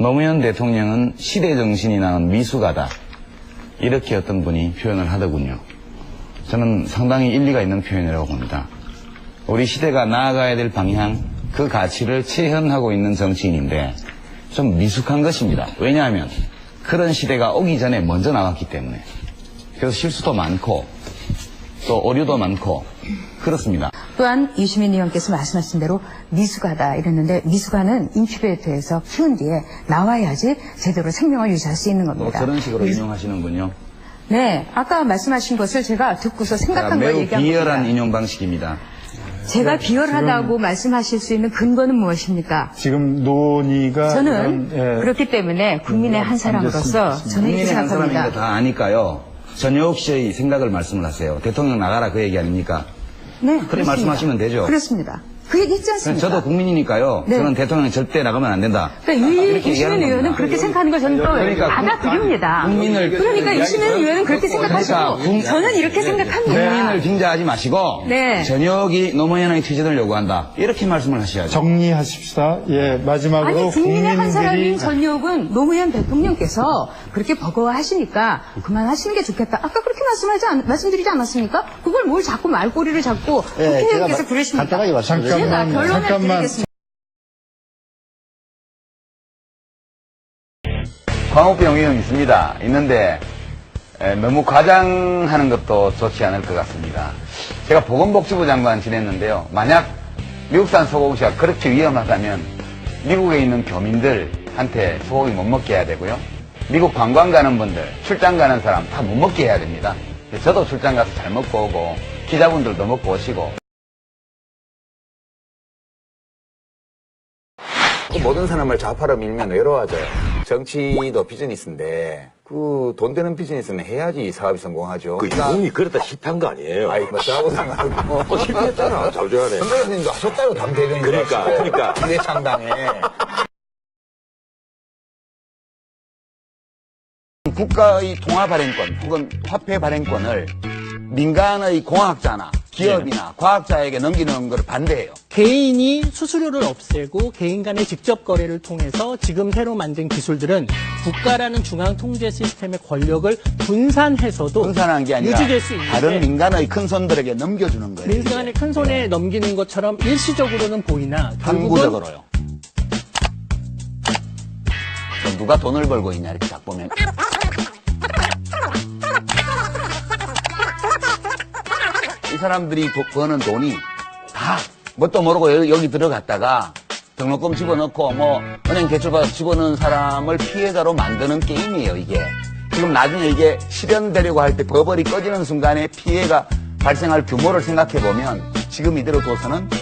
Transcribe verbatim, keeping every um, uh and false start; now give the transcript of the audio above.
노무현 대통령은 시대 정신이 나는 미숙하다. 이렇게 어떤 분이 표현을 하더군요. 저는 상당히 일리가 있는 표현이라고 봅니다. 우리 시대가 나아가야 될 방향, 그 가치를 체현하고 있는 정치인인데 좀 미숙한 것입니다. 왜냐하면 그런 시대가 오기 전에 먼저 나왔기 때문에. 그래서 실수도 많고 또 오류도 많고 그렇습니다. 또한 유시민 의원께서 말씀하신 대로 미숙하다 이랬는데 미숙아는 인큐베이터에서 키운 뒤에 나와야지 제대로 생명을 유지할 수 있는 또 겁니다. 저런 식으로 인용하시는군요. 네, 아까 말씀하신 것을 제가 듣고서 생각한 걸 매우 얘기한 비열한 겁니다. 인용 방식입니다. 제가 비열하다고 말씀하실 수 있는 근거는 무엇입니까? 지금 논의가 저는 이런, 예, 그렇기 때문에 국민의 한 사람으로서 저는 이렇게 국민의 한 사람인 생각합니다. 거 다 아니까요. 전효옥 씨의 생각을 말씀을 하세요. 대통령 나가라 그 얘기 아닙니까? 네, 그래 그렇습니다. 말씀하시면 되죠. 그렇습니다. 그 얘기 있지 않습니까? 저도 국민이니까요. 네. 저는 대통령 절대 나가면 안 된다. 그러니까 유, 이렇게 유시민 얘기하는 의원은 겁니다. 그렇게 생각하는 걸 저는 또 그러니까 받아들입니다. 국민을 그러니까 유시민 의원은 그렇게 생각하시고 그러니까 국- 저는 이렇게 생각합니다. 국민을 빙자하지 마시고 네. 전역이 노무현의 퇴진을 요구한다. 이렇게 말씀을 하셔야죠. 정리하십시다. 예, 마지막으로 아니 국민의 한 사람인 국민들이 전역은 노무현 대통령께서 그렇게 버거워하시니까 그만하시는 게 좋겠다. 아까 그렇게 말씀하지 않, 말씀드리지 않았습니까? 그걸 뭘 자꾸 말꼬리를 잡고 예, 국회의원께서 제가 그러십니까? 간단하게 말씀드리겠습니다. 제가 잠깐만, 결론을 잠깐만. 드리겠습니다. 광우병 위험 있습니다. 있는데 에, 너무 과장하는 것도 좋지 않을 것 같습니다. 제가 보건복지부 장관 지냈는데요. 만약 미국산 소고기가 그렇게 위험하다면 미국에 있는 교민들한테 소고기 못 먹게 해야 되고요. 미국 관광 가는 분들, 출장 가는 사람 다 못 먹게 해야 됩니다. 저도 출장 가서 잘 먹고 오고 기자분들도 먹고 오시고 모든 사람을 좌파로 밀면 외로워져요. 정치도 비즈니스인데 그 돈 되는 비즈니스는 해야지 사업이 성공하죠. 그 이분이 그랬다 힙한 거 아니에요? 아이 뭐 저하고 상관없고 어, 실패했잖아. 자주하네. 선배님도 하셨다고 당대변인 그러니까, 그러니까. 기대 창당에 국가의 통화 발행권 혹은 화폐 발행권을 민간의 공학자나 기업이나 과학자에게 넘기는 걸 반대해요. 개인이 수수료를 없애고 개인 간의 직접 거래를 통해서 지금 새로 만든 기술들은 국가라는 중앙 통제 시스템의 권력을 분산해서도 분산한 게 아니라 유지될 수 있는데 다른 민간의 큰 손들에게 넘겨주는 거예요. 민간의 큰 손에 넘기는 것처럼 일시적으로는 보이나 결국은 항구적으로요. 또 누가 돈을 벌고 있냐 이렇게 딱 보면 이 사람들이 도- 버는 돈이 다 뭣도 모르고 여기, 여기 들어갔다가 등록금 집어넣고 뭐 은행 대출받아 집어넣은 사람을 피해자로 만드는 게임이에요 이게. 지금 나중에 이게 실현되려고 할 때 버벌이 꺼지는 순간에 피해가 발생할 규모를 생각해 보면 지금 이대로 둬서는